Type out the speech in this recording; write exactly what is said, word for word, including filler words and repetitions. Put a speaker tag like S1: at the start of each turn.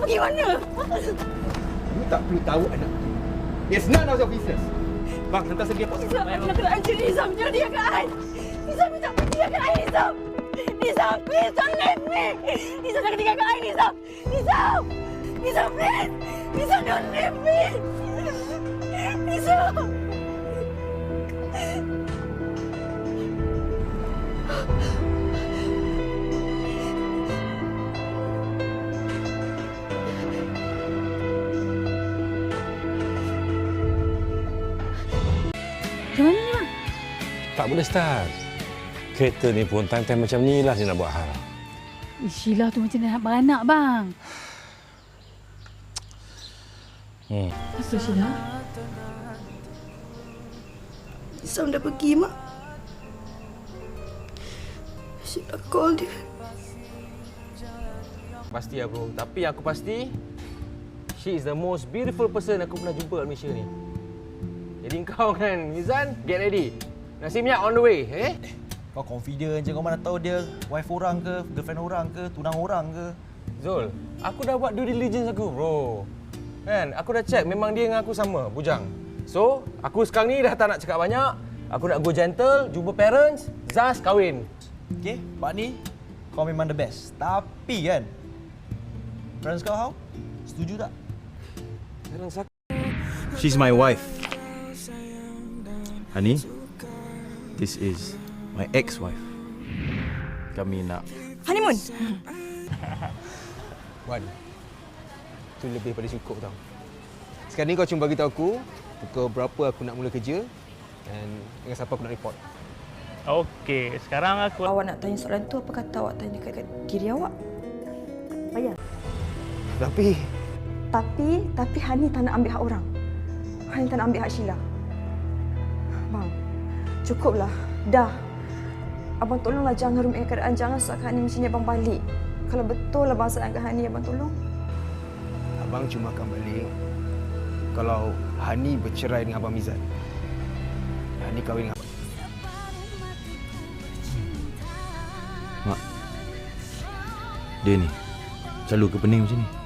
S1: pergi mana?
S2: You tak perlu tahu anak. It's none of your business. Bang, hantar saya pergi airport.
S1: Nizam, nak kena anjir Nizam. Jangan tinggalkan I. Nizam, Nizam, tinggalkan I, Nizam. Nizam, please don't leave me. Nizam, jangan tinggalkan I, Nizam. Nizam. Nizam, please. Nizam, don't leave me. Nizam.
S3: Macam mana ni, bang?
S4: Tak boleh start. Kereta ni pun time-time macam ni lah dia nak buat hal.
S3: Eh, Sheila tu macam nak beranak, bang.
S4: Hmm.
S3: Apa Sheila?
S1: Nizam dah pergi, Mak. Sheila call dia.
S5: Pasti lah bro. Tapi aku pasti she is the most beautiful person aku pernah jumpa kat Malaysia ni. Jadi kau kan, Mizan, get ready. Nasi minyak on the way, eh?
S6: Kau confident je, kau mana tahu dia wife orang ke, girlfriend orang ke, tunang orang ke.
S5: Zul, aku dah buat due diligence aku, bro. Kan, aku dah check memang dia dengan aku sama, bujang. So, aku sekarang ni dah tak nak cakap banyak. Aku nak go gentle, jumpa parents, Zaz kahwin.
S6: Okay, Pak ni, kau memang the best. Tapi kan, parents kau how? Setuju tak?
S5: Parents aku...
S6: She's my wife. Hani, this is my ex-wife. Kami nak
S1: Honeymoon.
S5: Wan, tu lebih pada cukup tau. Sekarang ni kau cuma bagi tahu aku pukul berapa aku nak mula kerja dan dengan siapa aku nak report.
S7: Okey, sekarang aku...
S1: Awak nak tanya soalan tu, apa kata awak tanya kat diri awak? Payah.
S5: Tapi...
S1: Tapi, tapi Hani tak nak ambil hak orang. Hani tak nak ambil hak Sheila. Bang, cukuplah. Dah. Abang tolonglah jangan rumit keadaan. Jangan sakkan Hani macam ni abang balik. Kalau betul abang sayangkan Hani, abang tolong.
S2: Abang cuma akan balik kalau Hani bercerai dengan Abang Mizan. Hani kahwin dengan Abang.
S6: Mak, dia ni selalu ke pening macam ni.